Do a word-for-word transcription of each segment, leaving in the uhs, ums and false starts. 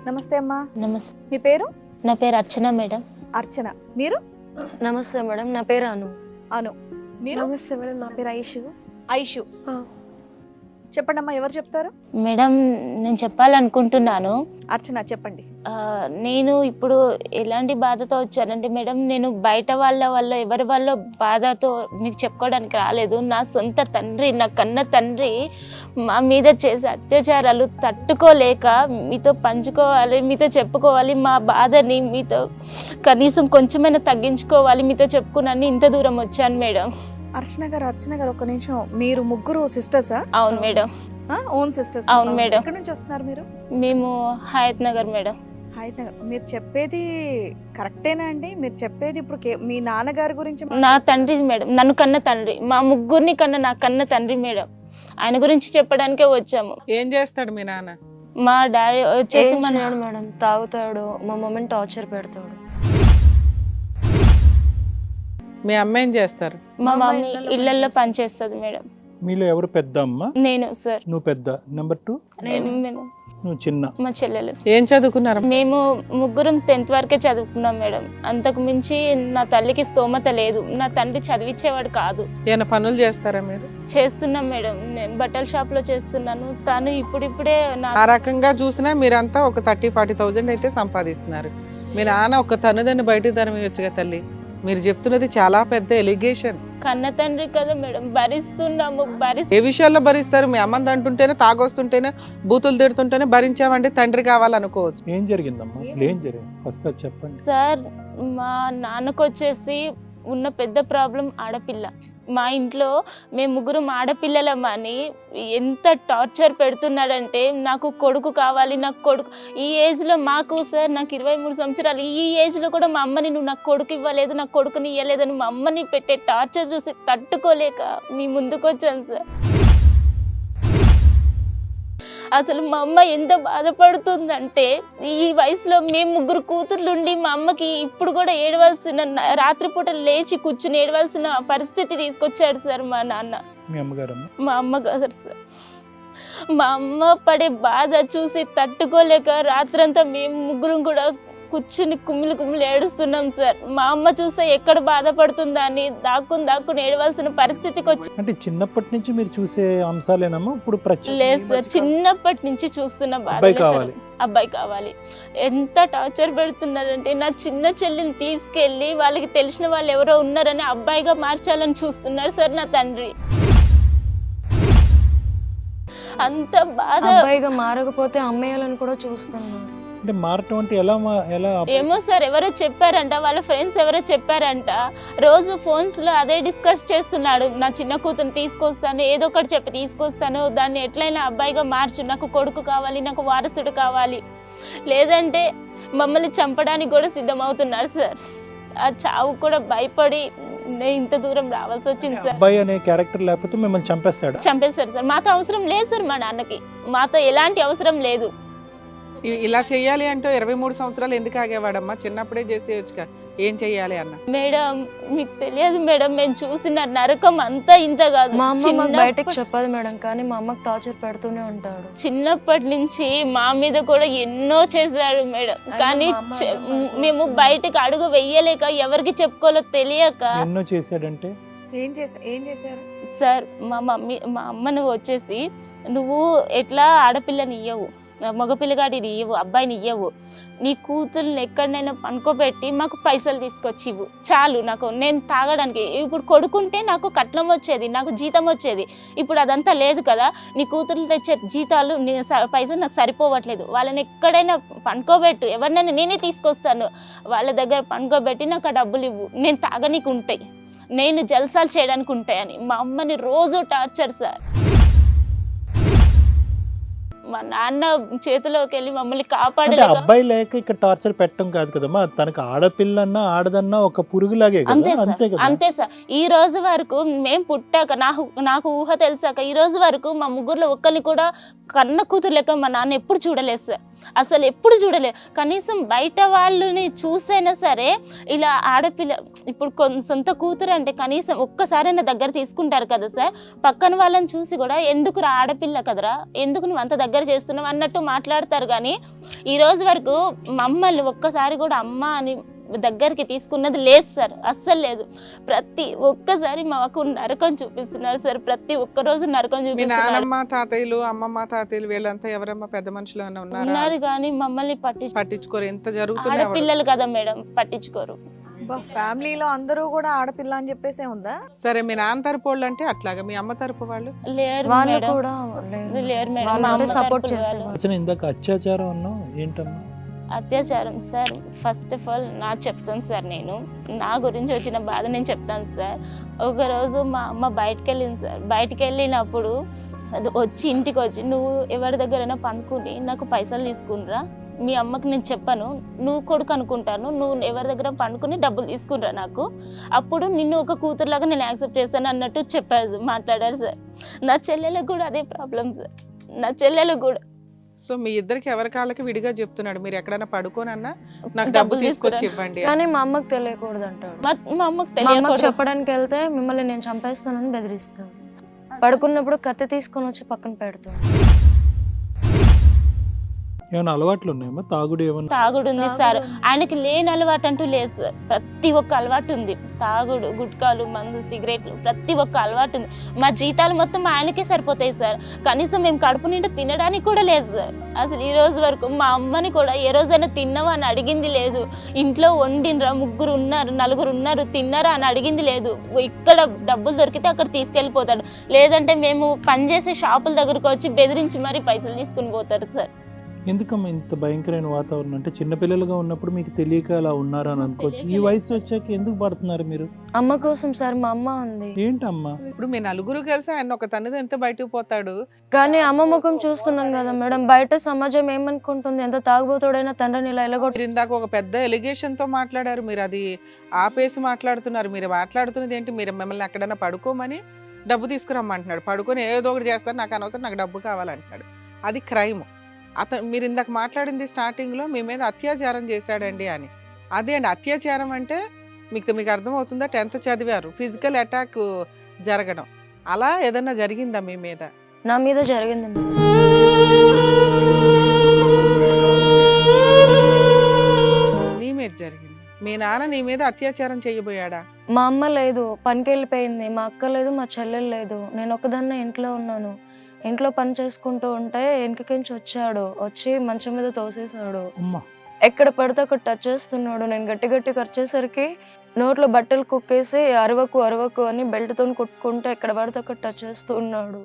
నమస్తే అమ్మా. నమస్తే. మీ పేరు? నా పేరు అర్చన మేడం. అర్చన. మీరు? నమస్తే మేడం, నా పేరు అను. అను. మీరు? నమస్తే మేడం, నా పేరు ఐషు. ఐషు. చెప్పండి అమ్మా, ఎవరు చెప్తారు? మేడం నేను చెప్పాలనుకుంటున్నాను. అర్చన చెప్పండి. ఆ, నేను ఇప్పుడు ఎలాంటి బాధతో వచ్చానంటే మేడం, నేను బయట వాళ్ళ వల్ల ఎవరి వల్ల బాధతో మీకు చెప్పుకోవడానికి రాలేదు. నా సొంత తండ్రి, నా కన్న తండ్రి మా మీద చేసే అత్యాచారాలు తట్టుకోలేక మీతో పంచుకోవాలి, మీతో చెప్పుకోవాలి, మా బాధని మీతో కనీసం కొంచెమైనా తగ్గించుకోవాలి, మీతో చెప్పుకున్నాను ఇంత దూరం వచ్చాను మేడం. అర్చన గారు, అర్చన గారు ఒక నిమిషం. మీరు ముగ్గురు సిస్టర్సా? అవును మేడం. Own sisters? అవును మేడం. ఎక్కడి నుంచి వస్తున్నారు మీరు? మేము హయత్ నగర్ మేడం. హయత్ నగర్. మీరు చెప్పేది కరెక్టేనా అండి? మీరు చెప్పేది ఇప్పుడు కే- మీ నాన్నగారి గురించి? నా తండ్రి మేడం, నన్ను కన్న తండ్రి, మా ముగ్గురిని కన్న నా కన్న తండ్రి మేడం. ఆయన గురించి చెప్పడానికే వచ్చాము. ఏం చేస్తాడు మీ నాన్న? మా డాడీ వచ్చేసి ఏం మన చేయడు మేడం, తాగుతాడు, మా మమ్మీని టార్చర్ పెడతాడు. మీ అమ్మ ఏం చేస్తారు? మా మమ్మీ ఇళ్లలో పనిచేస్తుంది మేడం. మీలో ఎవరు పెద్ద అమ్మ? నేను సార్. నువ్వు పెద్ద. నెంబర్ టూ నేను నువ్వు చిన్న. మా చెల్లెలు. ఏం చదువుకున్నారు? మేము ముగ్గురం టెన్త్ వరకే చదువుకున్నాం మేడం. అంతకు మించి నా తల్లికి స్తోమత లేదు. నా తండ్రి చదివించేవాడు కాదు. ఏమైనా పనులు చేస్తారా మీరు? చేస్తున్నాం మేడం. నేను బట్టల షాప్ లో చేస్తున్నాను. తను ఇప్పుడిప్పుడే నా ఆ రకంగా చూసినా మీరంతా ఒక థర్టీ ఫార్టీ థౌజండ్ అయితే సంపాదిస్తున్నారు. మీ నాన్న ఒక తనుదని బయటికి తరమియొచ్చుగా తల్లి. మీరు చెప్తున్నది చాలా పెద్ద ఎలిగేషన్. కన్న తండ్రి కదా మేడం, భరిస్తున్నాము. భరిస్తు ఏ విషయాల్లో భరిస్తారు? మీ అమ్మని అంటుంటేనే, తాగొస్తుంటేనే, బూతులు తిడుతుంటేనే భరించామంటే తండ్రి కావాలనుకోవచ్చు. ఏం జరిగిందమ్మా? అసలు ఏం జరిగింది? ఫస్ట్ అది చెప్పండి. సార్, మా నాన్నకు వచ్చేసి ఉన్న పెద్ద ప్రాబ్లం ఆడపిల్ల. మా ఇంట్లో మేము ముగ్గురం ఆడపిల్లలమని ఎంత టార్చర్ పెడుతున్నాడంటే, నాకు కొడుకు కావాలి, నాకు కొడుకు. ఈ ఏజ్లో మాకు సార్, నాకు ఇరవై మూడు సంవత్సరాలు, ఈ ఏజ్లో కూడా మా అమ్మని నువ్వు నాకు కొడుకు ఇవ్వలేదు, నాకు కొడుకుని ఇవ్వలేదని మా అమ్మని పెట్టే టార్చర్ చూసి తట్టుకోలేక మీ ముందుకు వచ్చాను సార్. అసలు మా అమ్మ ఎంత బాధపడుతుందంటే, ఈ వయసులో మేము ముగ్గురు కూతుర్లుండి మా అమ్మకి ఇప్పుడు కూడా ఏడవలసిన, రాత్రిపూట లేచి కూర్చుని ఏడవలసిన పరిస్థితి తీసుకొచ్చాడు సార్ మా నాన్న. మీ అమ్మగారమ్మ? మా అమ్మగారు సార్. మా అమ్మ పడే బాధ చూసి తట్టుకోలేక రాత్రంతా మేము ముగ్గురం కూడా కూర్చుని కుమ్మిలి కుమ్మిలి ఏడుస్తున్నాం సార్. మా అమ్మ చూస్తే ఎక్కడ బాధపడుతుందా అని దాక్కుని దాక్కుని ఏడవలసిన పరిస్థితికి వచ్చి. అంటే చిన్నప్పటి నుంచి మీరు చూసే అంశాలేనమ్మా ఇప్పుడు? లేదు సార్, చిన్నప్పటి నుంచి చూస్తున్న బాధ. అబ్బాయి కావాలి, అబ్బాయి కావాలి. ఎంత టార్చర్ పెడుతున్నారంటే, నా చిన్న చెల్లిని తీసుకెళ్లి వాళ్ళకి తెలిసిన వాళ్ళు ఎవరో ఉన్నారని అబ్బాయిగా మార్చాలని చూస్తున్నారు సార్ నా తండ్రి. అంత బాధ. అబ్బాయిగా మారకపోతే అమ్మేయాలని కూడా చూస్తున్నాడు. అంటే మారటం అంటే ఎలా మా- ఎలా? ఏమో సార్, ఎవరో చెప్పారంట, వాళ్ళ ఫ్రెండ్స్ ఎవరో చెప్పారంట. రోజు ఫోన్స్ లో అదే డిస్కస్ చేస్తున్నాడు. నా చిన్న కూతురు తీసుకొస్తాను, ఏదో ఒకటి చెప్పి తీసుకొస్తాను, దాన్ని ఎట్లయినా అబ్బాయిగా మార్చు, నాకు కొడుకు కావాలి, నాకు వారసుడు కావాలి, లేదంటే మమ్మల్ని చంపడానికి కూడా సిద్ధమవుతున్నారు సార్. ఆ చావు కూడా భయపడి నేను ఇంత దూరం రావాల్సి వచ్చింది సార్. అబ్బాయి అనే క్యారెక్టర్ లేకపోతే మిమ్మల్ని చంపేస్తాడు? చంపేశారు సార్. మాతో అవసరం లేదు సార్, మా నాన్నకి మాతో ఎలాంటి అవసరం లేదు. ఇ- ఇలా చెయ్యాలి అంటే ఇరవై మూడు సంవత్సరాలు ఎందుకు ఆగేవాడమ్మా? చిన్నప్పుడే చేసేయచ్చుగా. ఏం చెయ్యాలి అన్న? మేడం మీకు తెలియదు మేడం, మేము చూసిన నరకం అంతా ఇంత కాదు. మా అమ్మ మాకు చిన్నప్ప- బయటకు చెప్పదు మేడం, కానీ మా అమ్మకి టార్చర్ పెడుతూనే ఉంటాడు. చిన్నప్పటి నుంచి మా మీద కూడా ఎన్నో చేశాడు మేడం, కానీ మా అమ్మ చె- అమ్మ మేము చేస్తుంది. బయటకు అడుగు వెయ్యలేక, ఎవరికి చెప్పుకోవాలో తెలియక. ఎన్నో చేశాడంటే? ఏం చేశారు? ఏం చేశారు సార్, మా మమ్మీ మా అమ్మను వచ్చేసి, నువ్వు ఎట్లా ఆడపిల్లని ఇయ్యవు, మగపిల్లగాడిని ఇవ్వు, అబ్బాయిని ఇవ్వవు, నీ కూతుర్ని ఎక్కడైనా పనుకోబెట్టి మాకు పైసలు తీసుకొచ్చి ఇవ్వు చాలు, నాకు నేను తాగడానికి. ఇప్పుడు కొడుకుంటే నాకు కట్నం వచ్చేది, నాకు జీతం వచ్చేది. ఇప్పుడు అదంతా లేదు కదా. నీ కూతుర్లు తెచ్చే జీతాలు, నీ స- పైసలు నాకు సరిపోవట్లేదు. వాళ్ళని ఎక్కడైనా పనుకోబెట్టు, ఎవరినైనా నేనే తీసుకొస్తాను, వాళ్ళ దగ్గర పనుకోబెట్టి నాకు ఆ డబ్బులు ఇవ్వు, నేను తాగనీకు ఉంటాయి, నేను జల్సాలు చేయడానికి ఉంటాయని మా అమ్మని రోజు టార్చర్ సార్. మా నాన్న చేతిలోకి వెళ్ళి మమ్మల్ని అంటే కాపాడలేక. అబ్బాయి లేక ఇక్కడ టార్చర్ పెట్టడం కాదు కదమ్మా, తనకు ఆడపిల్లన్నా ఆడదన్నా ఒక పురుగులాగే కదా. అంతే అంతే సార్, కదా. అంతే సార్. ఈ రోజు వరకు మేము పుట్టాక, నాకు నాకు ఊహ తెలిసాక ఈ రోజు వరకు మా ముగ్గురులో ఒక్కరిని కూడా కన్న కూతురు లెక్క మా నాన్న ఎప్పుడు చూడలేదు సార్. అసలు ఎప్పుడు చూడలేదు. కనీసం బయట వాళ్ళని చూసైనా సరే, ఇలా ఆడపిల్ల ఇప్పుడు కొన్ సొంత కూతురు అంటే కనీసం ఒక్కసారైనా దగ్గర తీసుకుంటారు కదా సార్. పక్కన వాళ్ళని చూసి కూడా, ఎందుకు రా ఆడపిల్ల కదరా, ఎందుకు నువ్వు అంత దగ్గర దగ్గర చేస్తున్నాం అన్నట్టు మాట్లాడతారు. కానీ ఈ రోజు వరకు మమ్మల్ని ఒక్కసారి కూడా అమ్మ అని దగ్గరికి తీసుకున్నది లేదు సార్, అస్సలు లేదు. ప్రతి ఒక్కసారి మాకు నరకం చూపిస్తున్నారు సార్, ప్రతి ఒక్క రోజు నరకం మీ చూపిస్తున్నారు. నానమ్మ తాతయ్యలు అమ్మమ్మ తాతయ్యలు వీళ్ళంతా ఎవరమ్మా పెద్ద మనుషులు ఏమైనా ఉన్నారా? ఉన్నారు కానీ మమ్మల్ని పట్టించు పట్టించుకోరు. ఎంత జరుగుతుంది ఆడపిల్లలు కదా మేడం, పట్టించుకోరు. ఫ్యామిలీలో అందరూ కూడా ఆడపిల్ల అని చెప్పేసే ఉందా? సరే, మీ నాన్న తరపు వాళ్ళు అంటే అట్లాగా, మీ అమ్మ తరపు వాళ్ళు లేరు వాళ్ళు మేడం, కూడా లేరు. లేరు మేడం. వాళ్ళు మా అంటే అమ్మ సపోర్ట్ తరపున చేసేవాళ్ళు. వాళ్ళు. అసలు ఇందాక అత్యాచారం అన్నావు ఏంటమ్మా? అత్యాచారం సార్, ఫస్ట్ ఆఫ్ ఆల్ నా చెప్తాను సార్, నేను నా గురించి వచ్చిన బాధ నేను చెప్తాను సార్. ఒకరోజు మా అమ్మ బయటకు వెళ్ళింది సార్, బయటకు వెళ్ళినప్పుడు అది వచ్చి ఇంటికి వచ్చి, నువ్వు ఎవరి దగ్గరైనా పనుకుని నాకు పైసలు తీసుకునిరా, మీ అమ్మకి నేను చెప్పాను, నువ్వు కొడుకు అనుకుంటాను, నువ్వు ఎవరి దగ్గర పనుకుని డబ్బులు తీసుకునిరా నాకు, అప్పుడు నిన్ను ఒక కూతురులాగా నేను యాక్సెప్ట్ చేశాను అన్నట్టు చెప్పారు, మాట్లాడారు సార్. నా చెల్లెలకు కూడా అదే ప్రాబ్లం సార్, నా చెల్లెలకు కూడా. సో మీ ఇద్దరికి ఎవరి కాళ్ళకి విడిగా చెప్తున్నాడు, మీరు ఎక్కడైనా పడుకోనన్నా నాకు డబ్బు తీసుకొచ్చి ఇవ్వండి అని. కానీ మా అమ్మకి తెలియకూడదు అంటాడు. మా మా అమ్మకి మా అమ్మకి తెలియకూడదు. చెప్పడానికి వెళ్తే మిమ్మల్ని నేను చంపేస్తానని బెదిరిస్తాడు. పడుకున్నప్పుడు కత్తి తీసుకొని వచ్చి పక్కన పెడతాడు. ఏమైనా అలవాట్లు ఉన్నాయమ్మా? తాగుడు ఏమన్నా? తాగుడు ఉంది సార్, ఆయనకి లేని అలవాటు అంటూ లేదు సార్, ప్రతి ఒక్క అలవాటు ఉంది. తాగుడు, గుట్కాలు, మందు, సిగరెట్లు, ప్రతి ఒక్క అలవాటు ఉంది. మా జీతాలు మొత్తం ఆయనకే సరిపోతాయి సార్, కనీసం మేము కడుపు నిండా తినడానికి కూడా లేదు సార్. అసలు ఈ రోజు వరకు మా అమ్మని కూడా ఏ రోజైనా తిన్నావా అని అడిగింది లేదు. ఇంట్లో వండినరా, ముగ్గురు ఉన్నారు, నలుగురు ఉన్నారు, తిన్నారా అని అడిగింది లేదు. ఇక్కడ డబ్బులు దొరికితే అక్కడ తీసుకెళ్ళిపోతాడు, లేదంటే మేము పనిచేసే షాపుల దగ్గరకు వచ్చి బెదిరించి మరీ పైసలు తీసుకుని పోతారు సార్. ఎందుకమ్మా ఇంత భయంకరమైన వాతావరణం? అంటే చిన్నపిల్లలుగా ఉన్నప్పుడు మీకు తెలియక అలా ఉన్నారా అని అనుకోవచ్చు. ఈ వయసు వచ్చాక ఎందుకు పడుతున్నారు మీరు? అమ్మ కోసం సార్, మా అమ్మ ఉంది. ఏంటమ్మా? ఇప్పుడు మీ నలుగురు కలిసి ఆయన ఒక తనది ఎంత బయటకు పోతాడు. కానీ అమ్మ ముఖం చూస్తున్నాం కదా మేడం, బయట సమాజం ఏమనుకుంటుంది, ఎంత తాగుబోతుడైనా తండ్రిని ఇలా ఎలగొట్టు. మీరు ఇందాక ఒక పెద్ద ఎలిగేషన్ తో మాట్లాడారు, మీరు అది ఆపేసి మాట్లాడుతున్నారు. మీరు మాట్లాడుతున్నది ఏంటి? మీరు మిమ్మల్ని ఎక్కడైనా పడుకోమని డబ్బు తీసుకురమ్మంటున్నాడు, పడుకొని ఏదో ఒకటి చేస్తారు, నాకు అనవసరం, నాకు డబ్బు కావాలంటున్నాడు. అది క్రైమ్. అతను మీరు ఇందాక మాట్లాడింది స్టార్టింగ్లో మీ మీద అత్యాచారం చేశాడండి అని. అదే అండి అత్యాచారం అంటే, మీకు మీకు అర్థమవుతుందా? టెన్త్ చదివారు, ఫిజికల్ అటాక్ జరగడం అలా ఏదన్నా జరిగిందా మీ మీద? నా మీద జరిగింది మేడం. నీ మీద జరిగింది. మీ నాన్న నీ మీద అత్యాచారం చేయబోయాడా? మా అమ్మ లేదు, పనికి వెళ్ళిపోయింది, మా అక్క లేదు, మా చెల్లెలు లేదు, నేను ఒకదాన్నే ఇంట్లో ఉన్నాను. ఇంట్లో పని చేసుకుంటూ ఉంటే వెనకకించి వచ్చాడు, వచ్చి మంచం మీద తోసేసాడు. ఎక్కడ పడితే అక్కడ టచ్ చేస్తున్నాడు. నేను గట్టి గట్టి ఖర్చేసరికి నోట్లో బట్టలు కుక్కేసి అరవకు అరవకు అని బెల్ట్తో కొట్టుకుంటే ఎక్కడ పడితే అక్కడ టచ్ చేస్తూ ఉన్నాడు.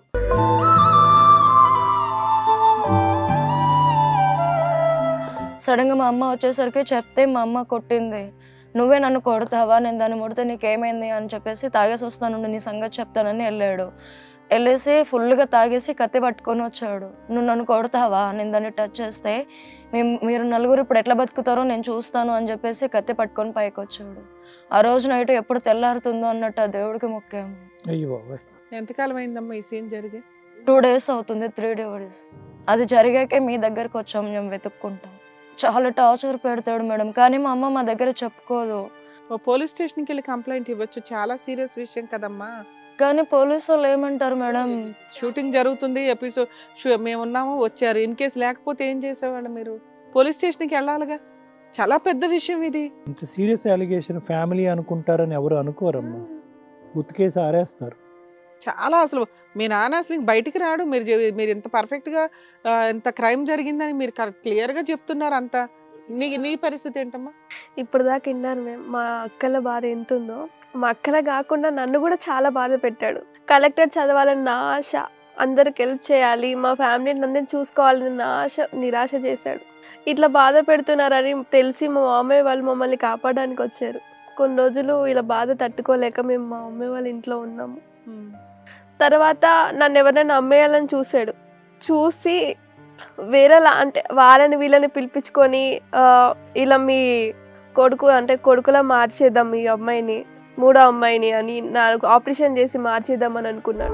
సడన్గా మా అమ్మ వచ్చేసరికి చెప్తే మా అమ్మ కొట్టింది. నువ్వే నన్ను కొడతావా, నేను దాన్ని ముడితే నీకేమైంది అని చెప్పేసి, తాగేసి వస్తాను నీ సంగతి చెప్తానని వెళ్ళాడు. వెళ్ళేసి ఫుల్గా తాగేసి కత్తి పట్టుకొని వచ్చాడు. నువ్వు నన్ను కొడతావా, నేను దాన్ని టచ్ చేస్తే మేము మీరు నలుగురు ఇప్పుడు ఎట్లా బతుకుతారో నేను చూస్తాను అని చెప్పేసి కత్తి పట్టుకొని పైకి వచ్చాడు. ఆ రోజు నైట్ ఎప్పుడు తెల్లారుతుందో అన్నట్టు ఆ దేవుడికి మొక్కాము. అయ్యో, ఎంతకాలం అయిందమ్మా ఈ సీన్ జరిగి? టూ డేస్ అవుతుంది, త్రీ డేస్. అది జరిగాకే మీ దగ్గరకు వచ్చాము మేము వెతుక్కుంటాం. చాలా టార్చర్ పెడతాడు మేడం, కానీ మా అమ్మ మా దగ్గర చెప్పుకోదు. ఓ పోలీస్ స్టేషన్కి వెళ్ళి కంప్లైంట్ ఇవ్వచ్చు, చాలా సీరియస్ విషయం కదమ్మా. కానీ పోలీసు వాళ్ళు ఏమంటారు మేడం, షూటింగ్ జరుగుతుంది, ఎపిసోడ్ మేము ఉన్నాము వచ్చారు, ఇన్ కేసు లేకపోతే ఏం చేసేవాళ్ళు? మీరు పోలీస్ స్టేషన్కి వెళ్ళాలిగా, చాలా పెద్ద విషయం ఇది. ఇంత సీరియస్ అలిగేషన్ ఫ్యామిలీ అనుకుంటారని ఎవరు అనుకోరమ్మా, ఉతికేసి ఆరేస్తారు. చాలా అసలు మీ నాన్న అసలు బయటికి రాడు. మీరు చె- మీరు ఇంత పర్ఫెక్ట్గా ఎంత క్రైమ్ జరిగిందని మీరు క్లియర్గా చెప్తున్నారు అంతా. నీ నీ పరిస్థితి ఏంటమ్మా? ఇప్పుడు దాకా విన్నారు మేము, మా అక్కల బాధ ఎంత ఉందో. మా అక్కల కాకుండా నన్ను కూడా చాలా బాధ పెట్టాడు. కలెక్టర్ చదవాలని నా ఆశ, అందరికి హెల్ప్ చేయాలి, మా ఫ్యామిలీని అందరిని చూసుకోవాలని నా ఆశ నిరాశ చేశాడు. ఇట్లా బాధ పెడుతున్నారని తెలిసి మా మామయ్య వాళ్ళు మమ్మల్ని కాపాడడానికి వచ్చారు. కొన్ని రోజులు ఇలా బాధ తట్టుకోలేక మేము మా మమ్మీ వాళ్ళ ఇంట్లో ఉన్నాము. తర్వాత నన్ను ఎవరైనా అమ్మేయాలని చూశాడు. చూసి వేరేలా అంటే వాళ్ళని వీళ్ళని పిలిపించుకొని ఇలా మీ కొడుకు అంటే కొడుకులా మార్చేద్దాం ఈ అమ్మాయిని, మూడో అమ్మాయిని అని నాకు ఆపరేషన్ చేసి మార్చేద్దామని అనుకున్నాడు.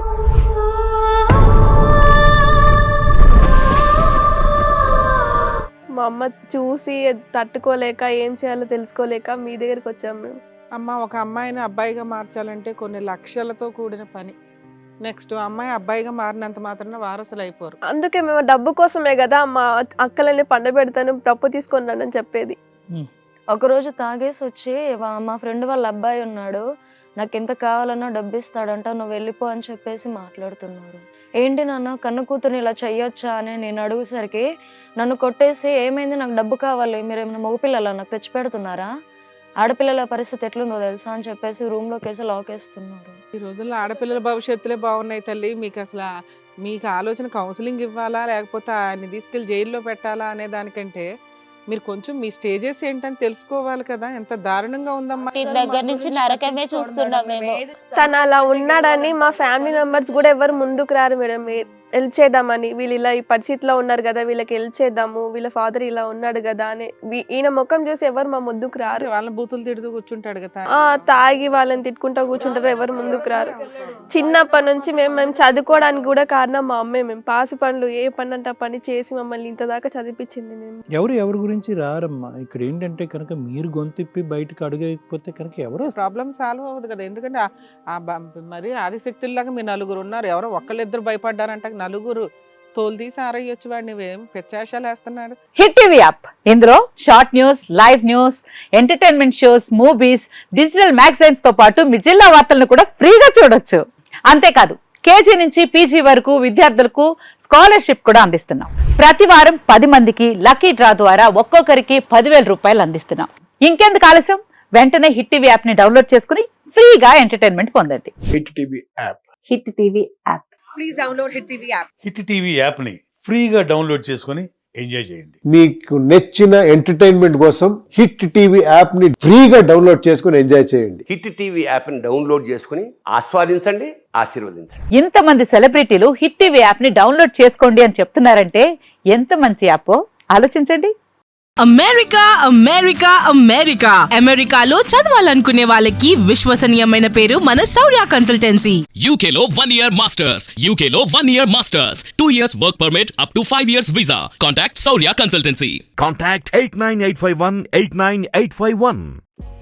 మా అమ్మ చూసి తట్టుకోలేక ఏం చేయాలో తెలుసుకోలేక మీ దగ్గరికి వచ్చాము మేము. అమ్మ, ఒక అమ్మాయిని అబ్బాయిగా మార్చాలంటే కొన్ని లక్షలతో కూడిన పని. నెక్స్ట్ అమ్మాయి అబ్బాయిగా మారినంత మాత్రాన వారసులు అయిపోరు. అందుకే మేము డబ్బు కోసమే కదా మా అక్కలని పండబెడతాను డబ్బు తీసుకొని అని చెప్పేది. ఒకరోజు తాగేసి వచ్చి వా- మా ఫ్రెండ్ వాళ్ళ అబ్బాయి ఉన్నాడు, నాకు ఎంత కావాలన్నా డబ్బు ఇస్తాడంట, నువ్వు వెళ్ళిపో అని చెప్పేసి మాట్లాడుతున్నారు. ఏంటి నాన్న కన్ను కూతురుని ఇలా చెయ్యొచ్చా అని నేను అడుగుసరికి నన్ను కొట్టేసి ఏమైంది నాకు డబ్బు కావాలి, మీరు ఏమైనా మగపిల్లలా నాకు తెచ్చి పెడుతున్నారా, ఆడపిల్లల పరిస్థితి ఎట్లుందో తెలుసా అని చెప్పేసి రూమ్లోకి వేసి లాక్ వేస్తున్నారు. ఈ రోజుల్లో ఆడపిల్లల భవిష్యత్తులే బాగున్నాయి తల్లి. మీకు అసలు మీకు ఆలోచన కౌన్సిలింగ్ ఇవ్వాలా లేకపోతే ఆయన్ని తీసుకెళ్ళి జైల్లో పెట్టాలా అనే దానికంటే మీరు కొంచెం మీ స్టేజెస్ ఏంటని తెలుసుకోవాలి కదా. ఎంత దారుణంగా ఉందమ్మా. ఈ దగ్గర నుంచి నరకమే చూస్తున్నాం మేము. తను అలా ఉన్నాడని మా ఫ్యామిలీ మెంబర్స్ కూడా ఎవరు ముందుకు రారు మేడం హెల్ప్ చేద్దామని. వీళ్ళు ఇలా ఈ పరిస్థితిలో ఉన్నారు కదా, వీళ్ళకి హెల్ప్ చేద్దాము, వీళ్ళ ఫాదర్ ఇలా ఉన్నాడు కదా అని వీ- ఈయన ముఖం చూసి ఎవరు మా ముందుకు రారు. వాళ్ళని బూతులు తిడుతూ కూర్చుంటాడు కదా. ఆ తాగి వాళ్ళని తిట్టుకుంటా కూర్చుంటారు, ఎవరు ముందుకు రారు. చిన్నప్పటి నుంచి మేము మేము చదువుకోవడానికి కూడా కారణం మా అమ్మే. మేము పాసి పనులు ఏ పని అంటే ఆ పని చేసి మమ్మల్ని ఇంత దాకా చదివించింది. మేము ఎవరు ఎవరి గురించి రారమ్మా. ఇక్కడ ఏంటంటే కనుక మీరు గొంతిప్పి బయటకు అడుగకపోతే కనుక ఎవరో ప్రాబ్లం సాల్వ్ అవ్వదు కదా. ఎందుకంటే ఆ- ఆ బ- మరి ఆదిశక్తుల్లాగా మీ నలుగురు ఉన్నారు, ఎవరో ఒక్కళ్ళిద్దరు భయపడ్డారంట, నలుగురు తోలు తీసి ఆరయ్యొచ్చు. వాడిని ఏం పెచ్చాశాలు వేస్తున్నాడు. హిట్ టీవీ యాప్ ఇందులో short news, live news, entertainment shows, movies, digital magazines తో పాటు మీ జిల్లా వార్తలను కూడా ఫ్రీగా చూడొచ్చు. అంతేకాదు కేజీ నుంచి పీజీ వరకు విద్యార్థులకు స్కాలర్షిప్ కూడా అందిస్తున్నాం. ప్రతి వారం పది మందికి లక్కీ డ్రా ద్వారా ఒక్కొక్కరికి పదివేల రూపాయలు అందిస్తున్నాం. ఇంకెందుకు ఆలస్యం, వెంటనే హిట్ టీవీ యాప్ ని డౌన్లోడ్ చేసుకుని ఫ్రీగా ఎంటర్టైన్మెంట్ పొందండి. Hit TV app hit TV app hit TV app ని ఫ్రీగా డౌన్లోడ్ చేసుకొని ఎంజాయ్ చేయండి. మీకు నచ్చిన ఎంటర్టైన్మెంట్ కోసం హిట్ టీవీ యాప్ ని ఫ్రీగా డౌన్లోడ్ చేసుకొని ఎంజాయ్ చేయండి. హిట్ టీవీ యాప్ని డౌన్లోడ్ చేసుకుని ఆస్వాదించండి, ఆశీర్వదించండి. ఇంతమంది సెలబ్రిటీలు హిట్ టీవీ యాప్ ని డౌన్లోడ్ చేసుకోండి అని చెప్తున్నారంటే ఎంత మంచి యాప్ ఆలోచించండి. అమెరికా అమెరికా అమెరికా అమెరికాలో చదవాలనుకునే వాళ్ళకి విశ్వసనీయమైన పేరు మన శౌర్య కన్సల్టెన్సీ. యూకేలో వన్ ఇయర్ మాస్టర్స్ యూకేలో one year masters two years work permit up to five years visa. Contact Shaurya consultancy. Contact eight nine eight five one eight nine eight five one.